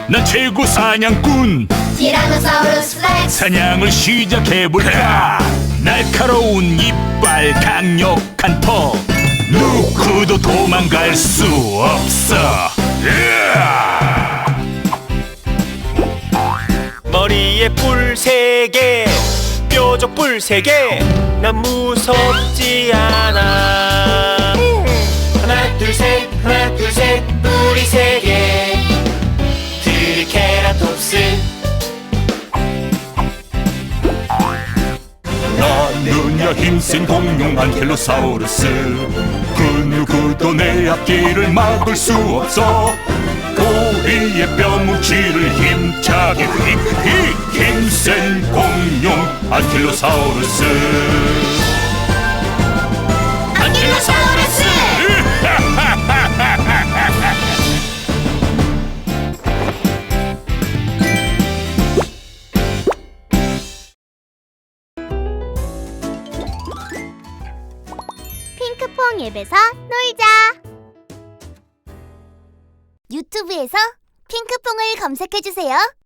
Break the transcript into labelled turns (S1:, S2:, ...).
S1: 난 최고 사냥꾼
S2: 티라노사우루스 렉스.
S1: 사냥을 시작해볼까. 날카로운 이빨 강력한 턱 누구도 도망갈 수 없어.
S3: 머리에 뿔 3개 뾰족 뿔 3개 난 무섭지 않아. 하나 둘 셋 뿔이 3개 트리케라톱스.
S1: 나는야 힘센 공룡 안킬로사우루스. 그 누구도 내 앞길을 막을 수 없어. 우리의 뼈뭉치를 힘차게 힘센 공룡 안킬로사우루스.
S2: 안킬로사우루스.
S4: 핑크퐁 앱에서 놀자. 유튜브에서 핑크퐁을 검색해주세요.